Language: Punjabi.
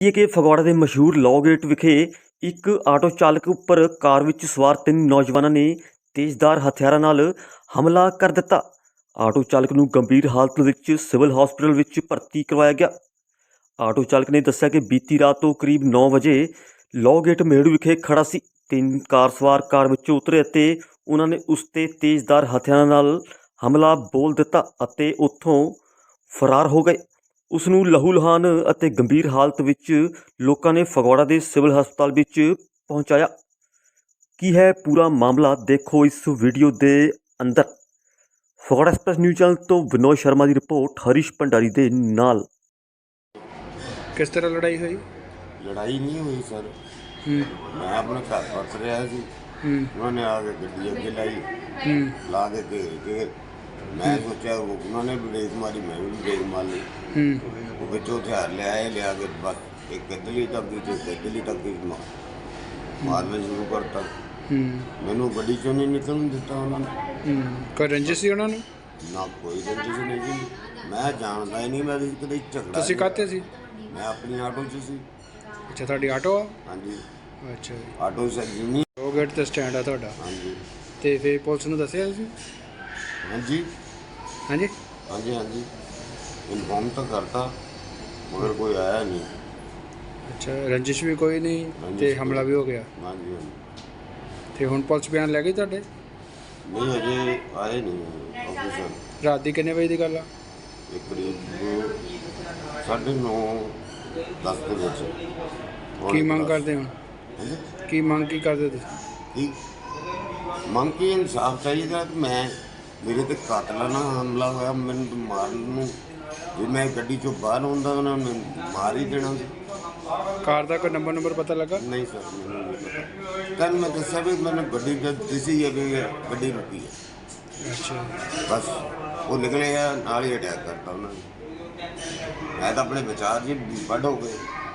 ਇਹ ਕਿ ਫਗਵਾੜਾ ਦੇ ਮਸ਼ਹੂਰ ਲੌ ਗੇਟ ਵਿਖੇ ਇੱਕ ਆਟੋ ਚਾਲਕ ਉੱਪਰ ਕਾਰ ਵਿੱਚ ਸਵਾਰ 3 ਨੌਜਵਾਨਾਂ ਨੇ ਤੇਜ਼ਧਾਰ ਹਥਿਆਰਾਂ ਨਾਲ ਹਮਲਾ ਕਰ ਦਿੱਤਾ। ਆਟੋ ਚਾਲਕ ਨੂੰ ਗੰਭੀਰ ਹਾਲਤ ਵਿੱਚ ਸਿਵਲ ਹਸਪਤਾਲ ਵਿੱਚ ਭਰਤੀ ਕਰਵਾਇਆ ਗਿਆ। ਆਟੋ ਚਾਲਕ ਨੇ ਦੱਸਿਆ ਕਿ ਬੀਤੀ ਰਾਤ ਤੋਂ ਕਰੀਬ 9 ਵਜੇ ਲੌ ਗੇਟ ਮੇੜੂ ਵਿਖੇ ਖੜਾ ਸੀ। 3 ਕਾਰ ਸਵਾਰ ਕਾਰ ਵਿੱਚੋਂ ਉਤਰੇ ਅਤੇ ਉਹਨਾਂ ਨੇ ਉਸ 'ਤੇ ਤੇਜ਼ਧਾਰ ਹਥਿਆਰਾਂ ਨਾਲ ਹਮਲਾ ਬੋਲ ਦਿੱਤਾ ਅਤੇ ਉੱਥੋਂ ਫਰਾਰ ਹੋ ਗਏ। ਉਸ ਨੂੰ ਲਹੂ ਲੁਹਾਨ ਅਤੇ ਗੰਭੀਰ ਹਾਲਤ ਵਿੱਚ ਲੋਕਾਂ ਨੇ ਫਗਵਾੜਾ ਦੇ ਸਿਵਲ ਹਸਪਤਾਲ ਵਿੱਚ ਪਹੁੰਚਾਇਆ। ਕੀ ਹੈ ਪੂਰਾ ਮਾਮਲਾ, ਦੇਖੋ ਇਸ ਵੀਡੀਓ ਦੇ ਅੰਦਰ। ਫਗਵਾੜਾ ਐਕਸਪ੍ਰੈਸ ਨਿਊਜ਼ ਚੈਨਲ ਤੋਂ ਵਿਨੋਦ ਸ਼ਰਮਾ ਦੀ ਰਿਪੋर्ट ਹਰੀਸ਼ ਭੰਡਾਰੀ ਦੇ ਨਾਲ। किस तरह लड़ाई हुई? लड़ाई नहीं हुई सर। मैं अपने घर परस रहा सी, उन्होंने आके गड्डी अगे लाई, ला के घेर के मैं सोचा वो उन्होंने भी ब्रेक मारी, मैं भी ब्रेक मार ली। वो बच्चों हथियार ले आए, लिया के बस एक गद्दली टक्की से गद्दली टक्की मारना शुरू करता। मैनू गड्डी चों नहीं निकलन दिता उन्होंने। कोई रंजिश सी उन्होंने? ना कोई रंजिश नहीं जी, मैं जानता ही नहीं। मैं कदे झगड़ा ਤੁਸੀਂ ਕਾਹਤੇ ਸੀ? मैं अपनी आटो च सी। ਅੱਛਾ, ਤੁਹਾਡੀ ਆਟੋ ਆ? हाँ जी, ਅੱਛਾ ਜੀ। आटो से जिनी। ਲੌ ਗੇਟ ਤੇ ਸਟੈਂਡ ਆ ਤੁਹਾਡਾ? हाँ जी, ਤੇ ਫਿਰ ਪੁਲਿਸ ਨੂੰ ਦੱਸਿਆ ਤੁਸੀਂ? हाँ जी, ਹਾਂਜੀ। हाँ जी, हाँ जी, इन्फॉर्म तो करता मगर कोई आया नहीं। ਅੱਛਾ, ਰੰजिश ਵੀ ਕੋਈ ਨਹੀਂ रंजिश ਤੇ कोई- ਹਮਲਾ ਵੀ ਹੋ ਗਿਆ। हाँ जी, हाँ जी। ਤੇ ਹੁਣ ਪੁਲਿਸ ਬਿਆਨ ਲੈ ਗਈ ਤੁਹਾਡੇ? नहीं अजय आए नहीं ऑफिसर। ਰਾਤ ਦੀ ਕਿੰਨੇ ਵਜੇ ਦੀ ਗੱਲ ਆ? एक करीब 9:30 के बच्चे। ਕੀ ਮੰਗ ਕਰਦੇ ਹੋ? ਕੀ ਮੰਗ ਕੀ ਕਰਦੇ ਤੁਸੀਂ? ਮੰਗ ਕੀ ਇਨਸਾਫ ਚਾਹੀਦਾ ਕਿ ਮੈਂ ਮੇਰੇ ਤੇ ਕਾਤਲਾਨਾ ਹਮਲਾ ਹੋਇਆ, ਮੈਨੂੰ ਤਾਂ ਮਾਰਨ ਨੂੰ, ਜੇ ਮੈਂ ਗੱਡੀ ਚੋਂ ਬਾਹਰ ਹੁੰਦਾ ਉਹਨਾਂ ਨੇ ਮਾਰ ਹੀ ਦੇਣਾ ਸੀ। ਕਾਰ ਦਾ ਕੋਈ ਨੰਬਰ ਪਤਾ ਲੱਗਾ? ਨਹੀਂ ਸਰ, ਮੈਨੂੰ ਨਹੀਂ ਪਤਾ। ਕੱਲ੍ਹ ਮੈਂ ਦੱਸਿਆ ਵੀ ਮੈਨੂੰ ਗੱਡੀ ਜਦ ਦਿਸੀ ਹੈ ਵੀ ਗੱਡੀ ਰੁਕੀ ਹੈ, ਅੱਛਾ। ਬਸ ਉਹ ਨਿਕਲੇ ਆ ਨਾਲ ਹੀ ਅਟੈਕ ਕਰਤਾ ਉਹਨਾਂ ਨੇ। ਮੈਂ ਤਾਂ ਆਪਣੇ ਵਿਚਾਰ ਜੀ ਵੱਢ ਹੋ ਗਏ।